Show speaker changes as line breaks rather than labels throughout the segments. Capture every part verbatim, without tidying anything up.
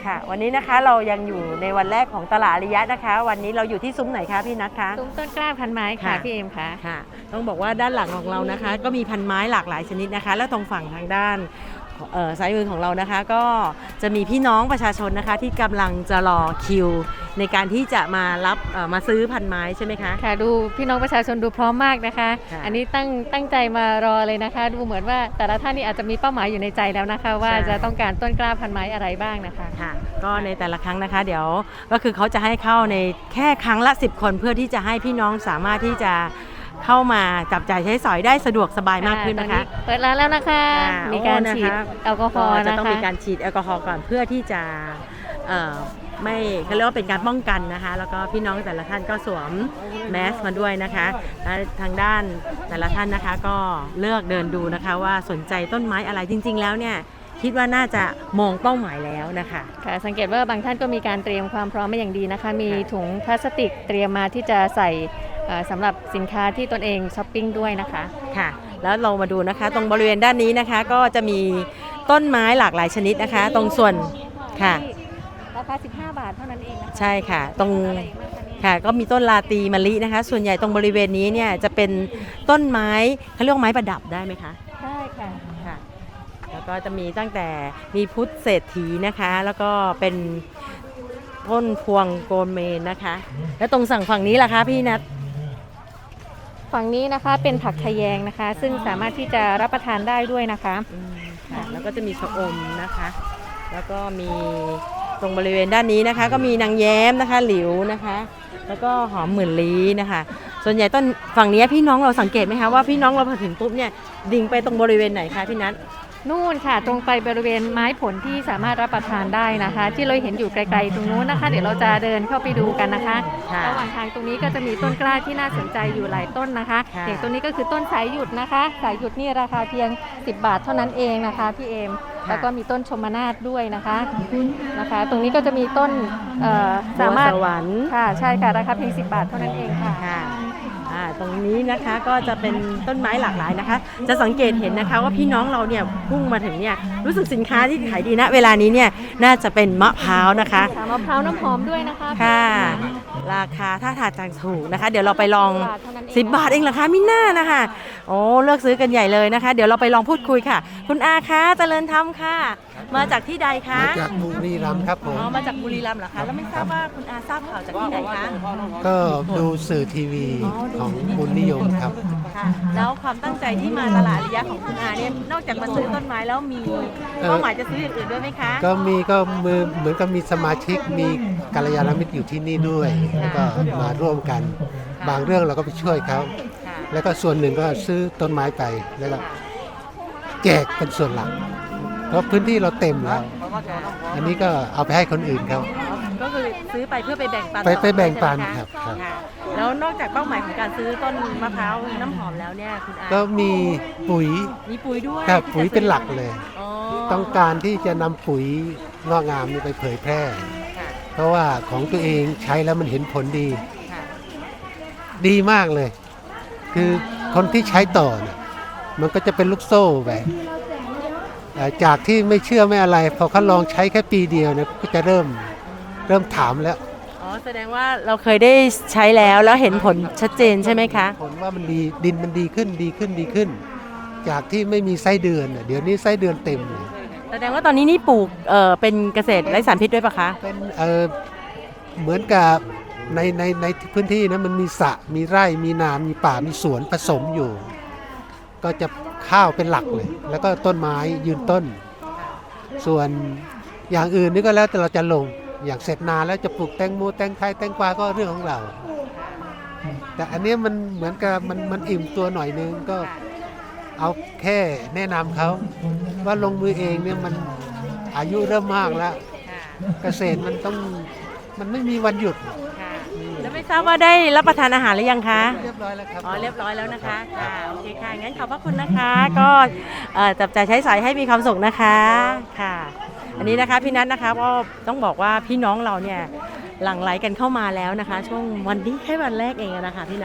ค่ะวันนี้นะคะเรายังอยู่ในวันแรกของตลาดอาริยะนะคะ วันนี้เราอยู่ที่ซุ้มไหนคะพี่นัทคะ
ซุ้มต้นกล้าพันไม้ค่ะพี่เอมค่ะ
ค่ะต้องบอกว่าด้านหลังของเรานะคะก็มีพันไม้หลากหลายชนิดนะคะแล้วตรงฝั่งทางด้านซ้ายมือของเรานะคะก็จะมีพี่น้องประชาชนนะคะที่กำลังจะรอคิวในการที่จะมารับมาซื้อพันไม้ใช่ไหมคะ
ค่ะดูพี่น้องประชาชนดูพร้อมมากนะคะอันนี้ตั้งตั้งใจมารอเลยนะคะดูเหมือนว่าแต่ละท่านนี่อาจจะมีเป้าหมายอยู่ในใจแล้วนะคะว่าจะต้องการต้นกล้าพันไม้อะไรบ้างนะคะ
ค่ะก็ในแต่ละครั้งนะคะเดี๋ยวก็คือเขาจะให้เข้าในแค่ครั้งละสิบคนเพื่อที่จะให้พี่น้องสามารถที่จะเข้ามาจับจ่ายใช้สอยได้สะดวกสบายมากขึ้นนะคะ
เปิดร้านแล้วนะคะมีการฉีดแอลกอฮอล์นะคะ
จะต้องมีการฉีดแอลกอฮอล์ก่อนเพื่อที่จะไม่เขาเรียกว่าเป็นการป้องกันนะคะแล้วก็พี่น้องแต่ละท่านก็สวมแมสมาด้วยนะคะและทางด้านแต่ละท่านนะคะก็เลือกเดินดูนะคะว่าสนใจต้นไม้อะไรจริงๆแล้วเนี่ยคิดว่าน่าจะมองเป้าหมายแล้วนะคะ
ค่ะสังเกตว่าบางท่านก็มีการเตรียมความพร้อมมาอย่างดีนะคะมีถุงพลาสติกเตรียมมาที่จะใส่สำหรับสินค้าที่ตนเองช้อปปิ้งด้วยนะคะ
ค่ะแล้วเรามาดูนะคะตรงบริเวณด้านนี้นะคะก็จะมีต้นไม้หลากหลายชนิดนะคะตรงส่วนค่ะ
ราคาสิบห้าบาทเท่านั้นเองนะคะ
ใช่ค่ะตรงค่ะก็มีต้นลาตีมะลินะคะส่วนใหญ่ตรงบริเวณนี้เนี่ยจะเป็นต้นไม้เขาเรียกไม้ประดับได้ไหมคะ
ได้ค่ะ
ค่ะแล้วก็จะมีตั้งแต่มีพุทธเศรษฐีนะคะแล้วก็เป็นต้นพวงโกลเมนนะคะแล้วตรงสั่งฝั่งนี้ล่ะคะพี่นัท
ฝั่งนี้นะคะเป็นผักทะแยงนะคะซึ่งสามารถที่จะรับประทานได้ด้วยนะคะ
ค่ะแล้วก็จะมีชะอมนะคะแล้วก็มีตรงบริเวณด้านนี้นะคะก็มีนางแย้มนะคะหลิวนะคะแล้วก็หอมหมื่นลี้นะคะส่วนใหญ่ต้นฝั่งนี้พี่น้องเราสังเกตไหมคะว่าพี่น้องเราพอถึงปุ๊บเนี่ยดิ่งไปตรงบริเวณไหนคะพี่นัท
นู่นค่ะตรงไปบริเวณไม้ผลที่สามารถรับประทานได้นะคะที่เราเห็นอยู่ไกลๆตรงนู้นนะคะเดี๋ยวเราจะเดินเข้าไปดูกันนะคะระหว่างทางตรงนี้ก็จะมีต้นกล้าที่น่าสนใจอยู่หลายต้นนะคะอย่างต้นนี้ก็คือต้นสายหยุดนะคะสายหยุดนี่ราคาเพียงสิบบาทเท่านั้นเองนะคะพี่เอมแล้วก็มีต้นชมนาฏด้วยนะคะนะคะตรงนี้ก็จะมีต้น
สามารถสวรรค์
ค่ะใช่ค่ะราคาเพียงสิบบาทเท่านั้นเองค่ะ
ตรงนี้นะคะก็จะเป็นต้นไม้หลากหลายนะคะจะสังเกตเห็นนะคะว่าพี่น้องเราเนี่ยพุ่งมาถึงเนี่ยรู้สึกสินค้าที่ขายดีนะเวลานี้เนี่ยน่าจะเป็นมะพร้าวนะคะ
มะพร้าวน้ำหอมด้วยนะคะ
ค่ะราคาถ้าทานจังถูกนะคะเดี๋ยวเราไปลองสิบบาทเองเหรอคะมิน่านะคะโอ้เลือกซื้อกันใหญ่เลยนะคะเดี๋ยวเราไปลองพูดคุยค่ะคุณอาคะเจริญธรรมค่ะมาจากที่ใดคะ
มาจากบุรีรัมย์ครับผม
อ๋อมาจากบุรีรัมย์เหรอคะแล้วไม่ทราบว่าคุณอาทราบข่าวจากที่ไหนคะ
ก็ดูสื่อทีวีของบุญนิยมครับ
แล้วความตั้งใจที่มาตลาดอาริยะของคุณอาเนี่ยนอกจากมาซื้อต้นไม้แล้วมีเป้าหมายจะซื้ออย่างอื่นด้วยไหมคะ
ก็มีก็มือเหมือนกับมีสมาชิกมีกัลยาณมิตรอยู่ที่นี่ด้วยแล้วก็มาร่วมกันบางเรื่องเราก็ไปช่วยเขาแล้วก็ส่วนหนึ่งก็ซื้อต้นไม้ไปแล้วก็แจกเป็นส่วนหลักเพราะพื้นที่เราเต็มแล้วอันนี้ก็เอาไปให้คนอื่นเขา
ก็คือซื้อไปเพื่อไปแบ่งปัน
ไปไปแบ่งปันครับ
แล้วนอกจากเป้าหมายของการซื้อต้นมะพร้าวน้ำหอมแล้วเนี่ยคุณอา
ก็มีปุ๋ย
มีปุ๋ยด้วย
ครับปุ๋ยเป็นหลักเลยต้องการที่จะนำปุ๋ยงอกงามนี้ไปเผยแพร่เพราะว่าของตัวเองใช้แล้วมันเห็นผลดีดีมากเลยคือคนที่ใช้ต่อเนี่ยมันก็จะเป็นลูกโซ่ไปจากที่ไม่เชื่อไม่อะไรพอเขาลองใช้แค่ปีเดียวเนี่ยก็จะเริ่มเริ่มถามแล้ว
อ๋อแสดงว่าเราเคยได้ใช้แล้วแล้วเห็นผลชัดเจนใช่ไหมคะ
ผลว่ามันดีดินมันดีขึ้นดีขึ้นดีขึ้นจากที่ไม่มีไส้เดือนเดี๋ยวนี้ไส้เดือนเต็มเลย
แสดงว่าตอนนี้นี่ปลูกเอ่อเป็นเกษตรไร้สารพิษด้วยปะคะ
เป็นเอ่อเหมือนกับในในในพื้นที่นะมันมีสระมีไร่มีนามีป่ามีสวนผสมอยู่ก็จะข้าวเป็นหลักเลยแล้วก็ต้นไม้ยืนต้นส่วนอย่างอื่นนี่ก็แล้วแต่เราจะลงอย่างเสร็จนาแล้วจะปลูกแตงโมแตงไทยแตงกวาก็เรื่องของเราแต่อันนี้มันเหมือนกับมันมันอิ่มตัวหน่อยนึงก็เอาแค่แนะนำเขาว่าลงมือเองเนี่ยมันอายุเริ่มมากแล้วเกษตรมันต้องมันไม่มีวันหยุด
แล้วไม่ทราบว่าได้รับประทานอาหารหรือยังคะ
เรียบร้อยแล้วครับ
อ๋อเรียบร้อยแล้วนะคะค่ะโอเคค่ะงั้นขอบพระคุณนะคะก็จับจ่ายใช้สอยให้มีความสุขนะคะค่ะอันนี้นะคะพี่นัทนะคะก็ต้องบอกว่าพี่น้องเราเนี่ยหลั่งไหลกันเข้ามาแล้วนะคะช่วงวันนี้แค่วันแรกเองนะคะพี่นัท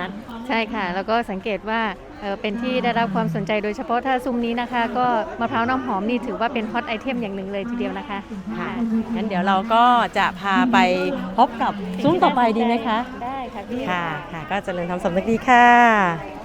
ใช่ค่ะ แล้วก็สังเกตว่าเอ่อเป็นที่ได้รับความสนใจโดยเฉพาะถ้าซุ้มนี้นะคะ ก็มะพร้าวน้ำหอมนี่ถือว่าเป็นฮอตไอเทมอย่างหนึ่งเลยทีเดียวนะคะ
ค่ะงั้นเดี๋ยวเราก็จะพาไปพบกับซุ้มต่อไปดีไหมคะ
ได้ค่ะพี่
ค่ะค่ะก็เจริญธรรมสำนึกดีค่ะ